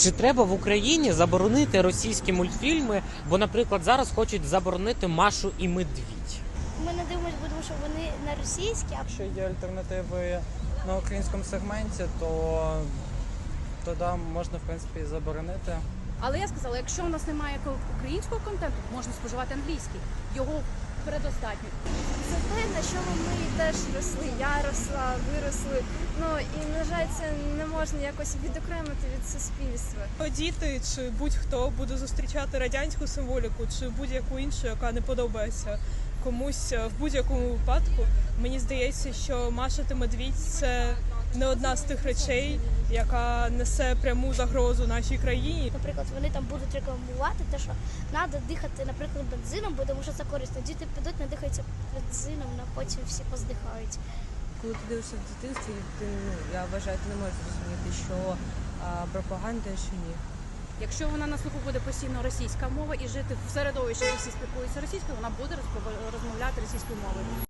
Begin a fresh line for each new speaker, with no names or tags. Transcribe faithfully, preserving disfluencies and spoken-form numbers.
Чи треба в Україні заборонити російські мультфільми, бо, наприклад, зараз хочуть заборонити Машу і Медвідь?
Ми не дивимося, тому що вони не російські, а
Якщо є альтернативи на українському сегменті, то тоді можна, в принципі, і заборонити.
Але я сказала, якщо у нас немає українського контенту, можна споживати англійський. Його передостатньо.
Це те, на чому ми теж росли. Я росла, виросли. Ну і на жаль, це не можна якось відокремити від суспільства.
Діти чи будь-хто буде зустрічати радянську символіку чи будь-яку іншу, яка не подобається комусь в будь-якому випадку. Мені здається, що Маша та Медвідь – це не одна з тих речей, яка несе пряму загрозу нашій країні.
наприклад, вони там будуть рекламувати те, що треба дихати, наприклад, бензином, бо тому що це корисно. Діти підуть, надихаються бензином, а потім всі поздихають.
Коли ти дивишся в дитинстві, ти, ну, я вважаю, ти не можеш зрозуміти, що а, пропаганда, що ні.
Якщо вона на слуху буде постійно російська мова і жити в середовищі, де всі спілкуються російською, вона буде розмовляти російською мовою.